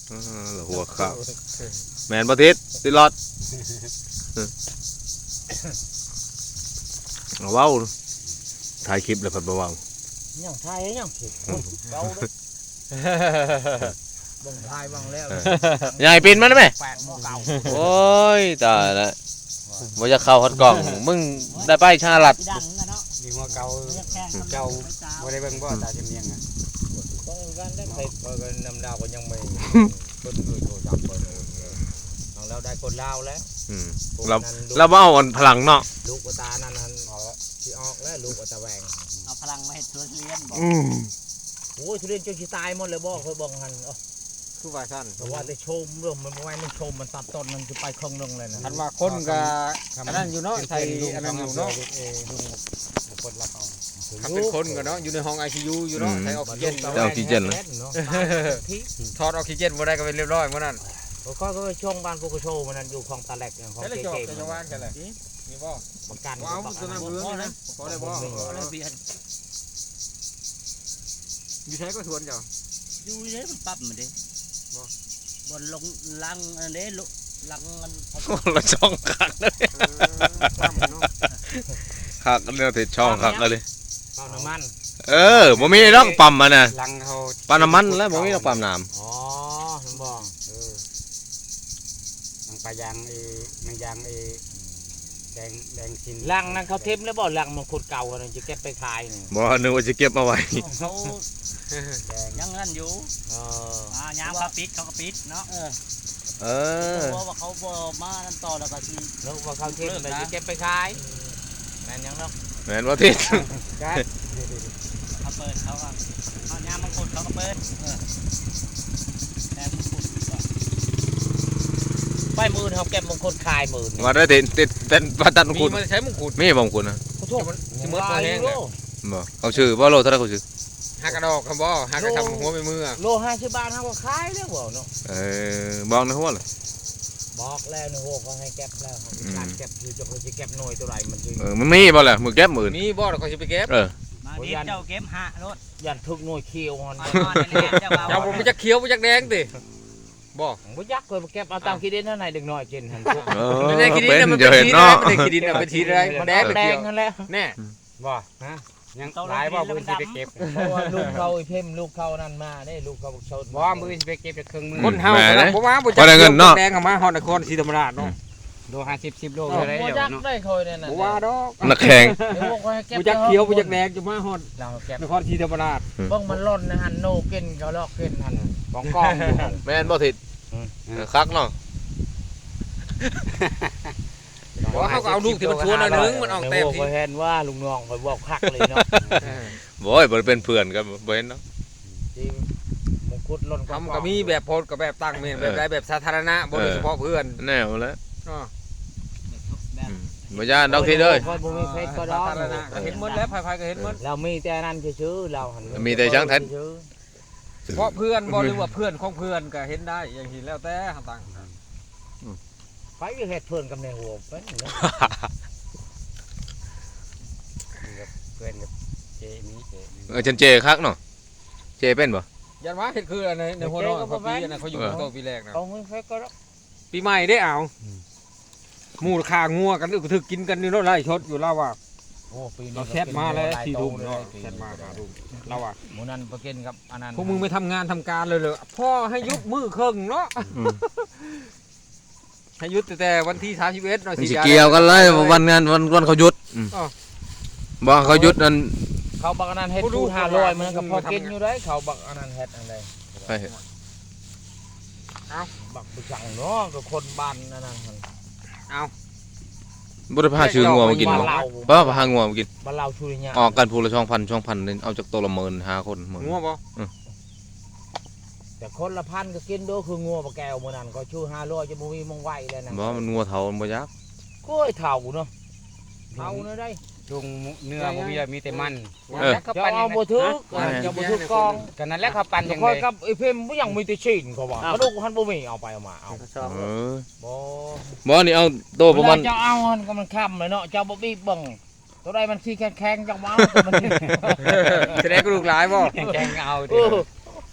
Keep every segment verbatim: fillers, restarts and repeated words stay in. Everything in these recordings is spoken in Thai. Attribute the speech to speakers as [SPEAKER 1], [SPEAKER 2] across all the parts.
[SPEAKER 1] หัวข้าวแมนประทิศติลอดว้าวถ่ายคลิปเลยพัดว้าว
[SPEAKER 2] ยังถ่ายยังคลิปเบาเลยบังถ่ายบังแล้ว
[SPEAKER 1] ใหญ่ปีนมันไหม
[SPEAKER 2] แปดโมงเก่า
[SPEAKER 1] โอ้ยตายละว่าจะเข้าฮอตกล่องมึงได้ไปชาลัด
[SPEAKER 3] มีหัวเก่าเจ้าบ่ได้เบิ่งบ่ตาจำเนียงอ่ะ
[SPEAKER 2] ก็กันได้ไปก็นำดาวก็ยังไม่คนอื่นโทรศัพท์เปิดของเราได้คนลาวแล้ว
[SPEAKER 1] เราเราเอาอ่อนพลังเนาะ
[SPEAKER 2] ลูกตานั่นนั่นออกที่ออกแล้วลูกตาแหวง
[SPEAKER 4] เอาพลังมาให้ทุเรียนบอก
[SPEAKER 2] โอ้ยทุเรียนจนชิตายหมดเลยบอกเคยบอกหัน
[SPEAKER 3] คือว่าสั้น
[SPEAKER 2] เพราะว่าได้ชมเรื่องมันไม่มันชมมันตัดต้นมันจะไปครึ่งนึงเลยนะ
[SPEAKER 3] คันว่าคนก็อันนั้นอยู่เนาะใส่อันนั้นอยู่เนาะเออลุงคนรับเอาถ้าเป็นคนก็เนาะอยู่ในห้อง ไอ ซี ยู อยู่เนาะใส่ออกซิเจน
[SPEAKER 1] ออกซิเจน
[SPEAKER 3] ถอดออกซิเจนบ่ได้ก็เป็นเรียบร้อยมื้อนั้น
[SPEAKER 2] ก็ก็ช่วงบ้านพวกโชว์มันนั่นอยู่คลองตะแหลกของเจ๊เจ๊
[SPEAKER 3] จะว่างกันเลยมีบ่
[SPEAKER 2] ประกัน
[SPEAKER 3] ว้าวตัวนั้นเบื้องนะพอได้บ่อยู่ใช้ก็ทวนเจ้า
[SPEAKER 4] อยู่เด้มันปั๊บมันเด้บ่บนลงลังอันเด้ลังมัน
[SPEAKER 1] ละช่องขักเลยขักเรื่องติดช่องขักเลย
[SPEAKER 2] ปั๊มน้ำมัน
[SPEAKER 1] เออบ่มีต้องปั๊มมันน่ะ
[SPEAKER 3] ลังเขา
[SPEAKER 1] ปั๊มน้ำมันแล้วบ่มีต้องปั๊มน้ำ
[SPEAKER 2] อ๋อผมบอก
[SPEAKER 3] เออลังปลายางเอมันยางเอแดงแดงสิน
[SPEAKER 2] ลังนั้นเขาเทมแล้วบ่ลังมันขุดเก่ากันจะเก็บไปขายนี่
[SPEAKER 1] บ่นึกว่าจะเก็บมาไว้
[SPEAKER 4] เขายังนั่นอยู่เอออ่ายามเขาปิดเขาก็ปิดเนาะเออเออเพราะว่าเขาบ่มานั่นต่อแล้วก็สิ
[SPEAKER 2] แล้วว่าเขาเทมแล้วจะเก็บไปขายแม่นยังเนาะ
[SPEAKER 1] แม่นว่าทิศ
[SPEAKER 4] เขาเปิดเขาก็เอายามมังคุดเขาก็เปิดเออแต่มังคุด
[SPEAKER 2] ไปมือเขาเก็บมงคุดคายมือ
[SPEAKER 1] ว่าได้ติดติดเป็นประตัดมงคุด
[SPEAKER 3] มีใช้มงคุด
[SPEAKER 1] มีมงคุดนะ
[SPEAKER 2] เขาทุก
[SPEAKER 3] สิมืดตัวแห้งเลย
[SPEAKER 1] บ่เขาชื่อบ่โลเท่าไหร่เขาชื่อ
[SPEAKER 3] หักกระดอกครับบ่หักกระทำหัวไปมือ
[SPEAKER 2] โลห้าสิบบาทเขาก็ขายแล้วบ่เนาะ
[SPEAKER 1] เออบอกในหัวเลย
[SPEAKER 2] บอกแล้วในหัวเขาให้เก็บแล้วการเก็บคือจะเขาจะเก็บหน่วยตัวไหนมันจริง
[SPEAKER 1] เออมันมีบ่แหละมือเก็บมือ
[SPEAKER 3] มีบ่เราเขาจะไปเก็บ
[SPEAKER 1] เออ
[SPEAKER 4] มาดิเจ้าเก็บหะรถ
[SPEAKER 2] ยันทุกหน่วยเคียวมัน
[SPEAKER 3] เจ้าผมจะเคี้ยวจะแดงติบ่
[SPEAKER 2] บ่ยักษ์เลยเก็บเอาตามขี้ดินเท่าไหร่เด็กน้อยกินหัน
[SPEAKER 3] ไม่ได้ขี้ดินมันเป็นขี้ดินมันเป็นขี้ดินเป็นขี้อะไร
[SPEAKER 2] แดงแดงนั่นแหละ
[SPEAKER 3] แน่บ่ฮะยังหลายบ่มือสิไปเก็บ
[SPEAKER 2] เพราะว่าลูกเขาไอ้เพิ่มลูกเขานั่นมาได้ลูกเขาชน
[SPEAKER 3] บ่มือสิไปเก็บจากเครื่องมือคนเฮาบ่ว่าบ่จักแดงออกมาฮอดนครศรีธรรมราชเนาะโลห้าสิบ สิบโลอะไรเดี๋ยวเนาะ
[SPEAKER 2] ได้คอยนั่นน่ะ
[SPEAKER 3] บ่ว่าดอก
[SPEAKER 1] นักแข่ง
[SPEAKER 3] บ่จักเขียวบ่จักแดงจะมาฮอดนครศรีธรรมราช
[SPEAKER 2] เบิ่งมันล่นนะหั่นโนกินก็ลอกกินหั่นของกองอยู่หั่น
[SPEAKER 1] แม่นบ่ทิศคักเนาะ
[SPEAKER 3] บ่เขาก็เอาลูกที่มันชวนอันนึงมันออกแต้มที่
[SPEAKER 2] บ่เห็นว่าลุงน้องข่อยบอกคักเลยเนาะ
[SPEAKER 1] บ่ยบ่เป็นเพื่อนกันบ่เห็นเนาะ
[SPEAKER 2] มงคุดล่น
[SPEAKER 3] ทำก็มีแบบโพสกับแบบตั้งแม่นแบบใดแบบสาธารณะบ่โดยเฉพาะเพื่อน
[SPEAKER 1] แน่แล้ว
[SPEAKER 3] เนาะ
[SPEAKER 1] บ่ย่านดอกทีเด้อ
[SPEAKER 2] บ่มีเฟซก็ดอก
[SPEAKER 3] ก็เห็นหมดแล้วไผๆก็เห็นหมด
[SPEAKER 2] เรามีแต่นั้นซื่อๆเราหั่น
[SPEAKER 1] มีแต่ช่างแท้
[SPEAKER 3] เพราะเพื่อนบ่หรือว่าเพื่อนของเพื่อนก็เห็นได้อย่างที่แล้วแต่ต่าง
[SPEAKER 2] ไปเฮ็ดเพื่อนกับในหัวเป็นเนาะ
[SPEAKER 3] เพื่อนกับเจมีเจ
[SPEAKER 1] เออฉันเจคักเนาะเจเป็นบ่
[SPEAKER 3] ยันว่าเฮ็ดคืออันในหัวน้องปีอันนั้นเขาอยู่ตัวปีแรกนะ
[SPEAKER 2] เอาเฟซก็
[SPEAKER 3] ปีใหม่ได้เอาหมูขางัวกันอึกถึกกินกันนี่เนาะไล่ชดอยู่แล้วว่า
[SPEAKER 2] โอ้ปีนี้
[SPEAKER 3] เราแชทมาแล้วสี่ทุ่มเนาะแชทมาห้าทุ่มเราว่า
[SPEAKER 2] หมูนันไปกินกับอันนั้น
[SPEAKER 3] พวกมึงไม่ทำงานทำการเลยเลยพ่อให้ยุบมือครึ่งเนาะให้ยุดแต่วันที่สามสิบเอ็ดเนาะ
[SPEAKER 1] สิเกี่ยวกันเลยวันงานวันวันเขาหยุดบ่เขาหยุดนั่น
[SPEAKER 2] เขาบักอันนั้นเฮ็ดทูห้าร้อยมันก็พอกินอยู่ได้เขาบักอันนั้นเฮ็ดอันใด
[SPEAKER 1] ไปเฮ็ด
[SPEAKER 3] เอา
[SPEAKER 2] บักไปสั่งเนาะก็คนบ้านนั่นน่ะ
[SPEAKER 3] เอา
[SPEAKER 1] บ่ได้พาชื่องัวมากินบ่บ่พางัวมากิน
[SPEAKER 2] บ้านเราชุริญญา
[SPEAKER 1] ออกกันพูละช่องพันช่องพันเอาจากตัวละหมื่นห้าคน
[SPEAKER 3] งัวบ่
[SPEAKER 2] แต่คนละพันก็กินด้วยคืองัวปลาแก้วมื้อนั้นก็ชื่อห้าร้อยจะบ่มีมงไว้แล้วนะ
[SPEAKER 1] บ่มันงัวเฒ่ามันบ่ยัก
[SPEAKER 2] โอ้ยเฒ่าเนาะเฒ่าเนาะได้
[SPEAKER 3] ลุงเนื้อบ่มีมีแต่มัน
[SPEAKER 2] จะเอาบ่ถึกจะบ่ถึกกอง
[SPEAKER 3] กันนั่นแหละเขาปั่น
[SPEAKER 2] อย่างค่อยกับไอ้เพิ่มบ่ยังมีแต่ชิ้นเขาว่ากระดูกหันบ่มีเอาไปเอามาเอา
[SPEAKER 1] เออ
[SPEAKER 2] บ่
[SPEAKER 1] บ่นี่เอาโตประมาณ
[SPEAKER 2] เจ้าเอาหันก็มันค่ำเลยเนาะเจ้าบ่บีบเบิ่งตัวใดมันขี้แข็งๆจังว่าตัวมัน
[SPEAKER 3] แสดงกระดูกหลายบ่แข็งๆเอาดิ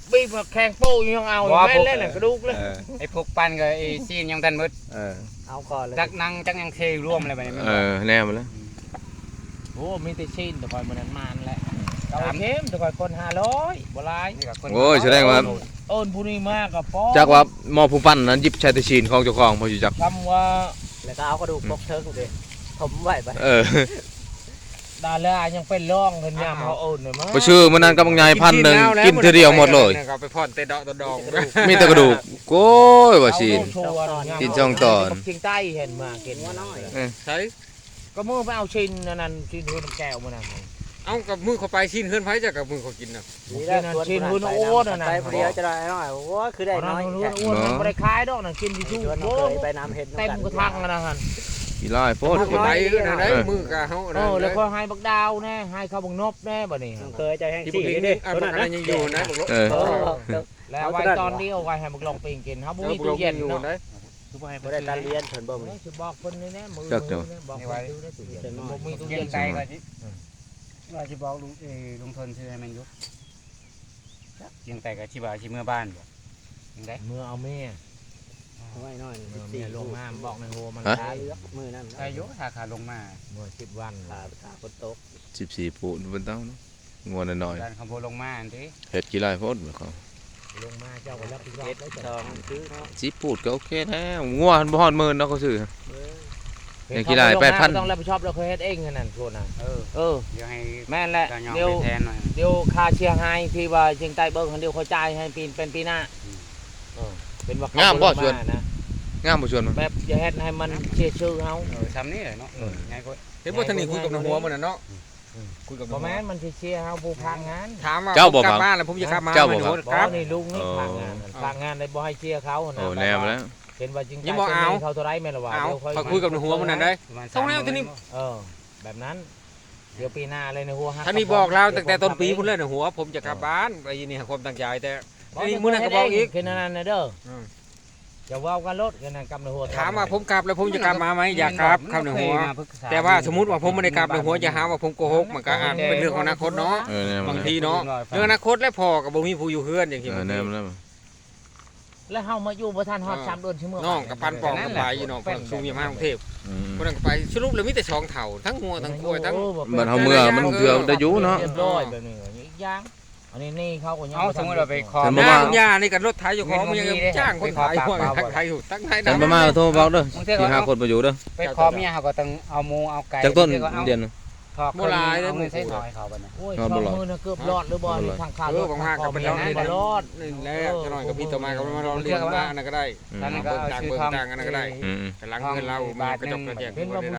[SPEAKER 2] บีบแข่งโป้ยังเอาแม่เล่นกระดูกเลย
[SPEAKER 1] เออ
[SPEAKER 3] ไอ้พวกปั้นกับไอ้ซีนยังทันมืด
[SPEAKER 1] เออ
[SPEAKER 4] เอาก่อนเลย
[SPEAKER 3] จักนั่งจักยังเทร่วมอะไรแบบนี้
[SPEAKER 1] เออแน่มาแล้ว
[SPEAKER 2] โอ้มีแต่ชิ้นแต่คอยมันนั้นมันแหละเอาเข้มแต่คอยคนห้าร้อยบ่ไร
[SPEAKER 1] โอ้ยแสดงว่า
[SPEAKER 2] โอนผู้นี้มากกับป้อ
[SPEAKER 1] จักว่าหมอผู้ปั้นนั้นหยิบชายตะชีนของเจ้าของบ่อยู่จัก
[SPEAKER 2] คำว่า
[SPEAKER 4] แล้วก็เอากระดูกปกเทิงเลยผมไหวไป
[SPEAKER 1] เออ
[SPEAKER 2] ดารายังเป็นร่องเงินยามเขาโอนเลยมั้ง
[SPEAKER 1] บ่ชื่อมื้อนั้นกับบักใหญ่พันหนึงกินเทื่อเดียวหมดเลย
[SPEAKER 3] ก็ไปพ่อนเตะดอกตะดอง
[SPEAKER 1] มีแต่กระดูกโก้ยว่าชีน กินช่องตอน
[SPEAKER 2] เชียงใต้เห็นมาเห็น
[SPEAKER 4] หัวน้อย
[SPEAKER 3] ใช่
[SPEAKER 2] ก็มือไปเอาชิ้นนั่นชิ้นหุ่นแก้วมานั่น
[SPEAKER 3] เอากับมือเขาไปชิ้นเฮือนไผจะกับมือเขากินน่ะ
[SPEAKER 2] ชิ้นหุ่นโอ้นั่นน่ะ
[SPEAKER 4] ไปเดียวจะได้น้อยโอ้คือได้น้อย
[SPEAKER 2] หุ่นอ้วนมันไม่ได้คล้ายดอกนั่นกินที่ชู้
[SPEAKER 4] ชวน
[SPEAKER 2] โอ้
[SPEAKER 4] เคยไปน้ำเห็ด
[SPEAKER 2] เต็มกระทังนะฮะ
[SPEAKER 1] อีหลายโพด
[SPEAKER 3] มือเขาไปนั่นได้มือกะเฮา
[SPEAKER 2] เออแล้วก็ให้บักดาวแน่ให้เขาบักนบแน่บ่นี่
[SPEAKER 4] เคยใจแห้ง
[SPEAKER 3] ที่
[SPEAKER 4] สี่
[SPEAKER 3] นี่
[SPEAKER 4] นี่
[SPEAKER 3] อ่ะมันยังอยู่นะบอก
[SPEAKER 1] เออ
[SPEAKER 2] แล้วไว้ตอนนี้เอาไว้ให้บักลองปิงกินครับบ่มีตู้เย็น
[SPEAKER 3] อยู่
[SPEAKER 2] เนาะ
[SPEAKER 3] นะ
[SPEAKER 4] บ่ได้การเรียนเพิ่นบ่มี
[SPEAKER 2] สิบอกเพิ่นนี่แน่มือบอกเพิ่นดูได้ตู้เย็นบ่มีตู้
[SPEAKER 3] เย็
[SPEAKER 2] เย็
[SPEAKER 3] น
[SPEAKER 2] น
[SPEAKER 3] ใจ
[SPEAKER 2] ใส่
[SPEAKER 3] ก็สิว่าสิบอกลุงเอลุงทนชื่อให้มันยุบเย็นใจก็สิว่าสิเมื่อบ้านบ่ยังได้
[SPEAKER 2] เมื่อเอาแม่
[SPEAKER 4] ไว้น้อย
[SPEAKER 2] เมื่อแม่ลงมาบอกในโฮมัน
[SPEAKER 4] ตาเลือกมือนั่น
[SPEAKER 3] อายุถ้าขาลงมา
[SPEAKER 2] เมื่อสิบวัน
[SPEAKER 4] ขาขาคนตก
[SPEAKER 1] สิบสี่ปูนบนเต้าเนาะงัวน้อย
[SPEAKER 3] ด้านขบวนลงมาอันนี้
[SPEAKER 1] ๆเฮ็ดกี่หลายโพดบ่เขา
[SPEAKER 2] ลงมาเจ้าก็รับผิดชอบ
[SPEAKER 4] เฮ็ด
[SPEAKER 2] ได้
[SPEAKER 4] ท
[SPEAKER 2] จ้ะ
[SPEAKER 4] องซื้อเนาะ
[SPEAKER 1] สิปูดก็โอเคแล้วงัวหันบ่ฮอดหมื่นเนาะเขาซื้อ อย่างกี่รายแปดพัน
[SPEAKER 2] ต้องรับผิดชอบเราเคยเฮ็ดเองนั่นโทษนะ
[SPEAKER 3] เออ
[SPEAKER 2] เออ
[SPEAKER 3] เดี๋ยวให้
[SPEAKER 2] แม่นแหละ
[SPEAKER 3] ตายอม
[SPEAKER 2] เดี๋ยว
[SPEAKER 3] ไปแทนหน่อย
[SPEAKER 2] เดี๋ยวค่าเชียร์ให้ที่ว่าเชียงใต้เบิ่งคันเดียวเขาจ่ายให้ปีเป็นปีหน้าเออเป็นว่าเขา
[SPEAKER 1] งามบ่
[SPEAKER 2] ล
[SPEAKER 1] ชวน
[SPEAKER 2] นะ
[SPEAKER 1] งามบ่ชวนมัน
[SPEAKER 2] แบบจะเฮ็ดให้มันเชียร์ชื่อเฮา
[SPEAKER 3] เออทำนี่เลยเนาะไงก็เห็นว่าทางนี้คุยกับนางหัวมันน่ะเนาะคุยกับ
[SPEAKER 2] บ่แม่นมันสิเชียร์เฮาผู้พางงาน
[SPEAKER 3] ถามว่ากลับบ้านแล้วผมจะขับมาไม่รู้
[SPEAKER 2] บ่
[SPEAKER 3] ครับ
[SPEAKER 2] นี่ลุงนี่พางงานพางงานได้บ่ให้เชียร์เขานะ
[SPEAKER 1] โอ้แนวมาแล้ว
[SPEAKER 2] เห็นว่าจริงใจ
[SPEAKER 3] ยังบ่เอา
[SPEAKER 2] เขาเท่าไรแม่นล่ะว่า
[SPEAKER 3] เอา
[SPEAKER 2] เดี๋ยวค่อย
[SPEAKER 3] เขาคุยกับนางหัวมันนั่นได้ต้องแล้วทีนี้
[SPEAKER 2] เออแบบนั้นเดี๋ยวปีหน้าเลยในหัวฮัก
[SPEAKER 3] ท่านนี่บอกแล้วตั้งแต่ต้นปีพุ่นเลยนางหัวผมจะกลับบ้านไปยินนี่ความตั้งใจแต่ นี่มื้อนั้นก็บอกอีก
[SPEAKER 2] คือนั่นน่ะเด้ออ
[SPEAKER 3] ม
[SPEAKER 2] จะว่ากันรถกันนั่นกำในหัว
[SPEAKER 3] ถามว่าผมกลับแล้วผมจะกลับมาไหมอยากกลับคำหนึ่งหัว แต่ว่าสมมติว่าผมไม่ได้กลับในหัวจะหาว่าผมโกหกมันก็อ่านเป็นเรื่องของอนาคตเนาะ
[SPEAKER 1] เออแนวมา
[SPEAKER 3] บาง
[SPEAKER 1] แล้ว
[SPEAKER 3] ทีเนาะเรื่องอนาคตและพอกับบ่มีผู้อยู่เฮือนอย่างที่
[SPEAKER 1] เอ
[SPEAKER 3] ผ
[SPEAKER 1] อ
[SPEAKER 3] ม
[SPEAKER 1] แนวมาแล้ว
[SPEAKER 2] แล้วเฮามาอยู่บ่ทันฮอดสามเดือนชั่วโมง
[SPEAKER 3] น้องกับปันปองกับไปอยู่น้องคนสูงยามากรุงเทพ
[SPEAKER 1] อืม
[SPEAKER 3] คนนั้นก็ไปสรุปแล้วมีแต่สองเถ่าทั้งงัวทั้งกล้วยทั้ง
[SPEAKER 1] มันเฮาเมื่อมันเถื่อได้อยู่เนาะ
[SPEAKER 2] เรียบร้อยแบบนี้อีกอย่างอันนี้นี่เขาก็ยัง
[SPEAKER 3] เอาสมมติเราไปขอ
[SPEAKER 1] ฉัน
[SPEAKER 3] ห
[SPEAKER 1] บ่
[SPEAKER 3] น้า
[SPEAKER 1] ว่า
[SPEAKER 3] คุณย่านี่กับรถไถอยู่ของมันยังจ้างคนขายหัวทั้งไทยอยู่ทั้งไทย
[SPEAKER 1] ฉันบ่มาโทรบอกเด้อที่หาคนบ่อยู่เด้อ
[SPEAKER 3] ไปขอเมียเขาก็ต้องเอาหมูเอาไก่
[SPEAKER 1] จากต้นเดือน
[SPEAKER 3] ถอก
[SPEAKER 1] โบราณเลย
[SPEAKER 3] เอาเงินใช้ถอยเขาบัดนี้
[SPEAKER 2] โอ้ยช่องมือน่ะเกือบรอดหรือบ่นี่ทางขา
[SPEAKER 3] เออบางมากก็เป็น
[SPEAKER 2] ร
[SPEAKER 3] เรา
[SPEAKER 2] อด
[SPEAKER 3] นี่
[SPEAKER 2] บ่รอด
[SPEAKER 3] นี่แหละจะหน่อยกับพี่ต่อมาก็มาเราเรียกว่าอันนั้นก็ได้
[SPEAKER 1] อืม
[SPEAKER 3] ท่านก็เอาชื่อทองอันนั้นก็ได้
[SPEAKER 1] อืม
[SPEAKER 3] กำลังเงินเรามันกระจกกระแจก
[SPEAKER 2] เป็นว่าผู้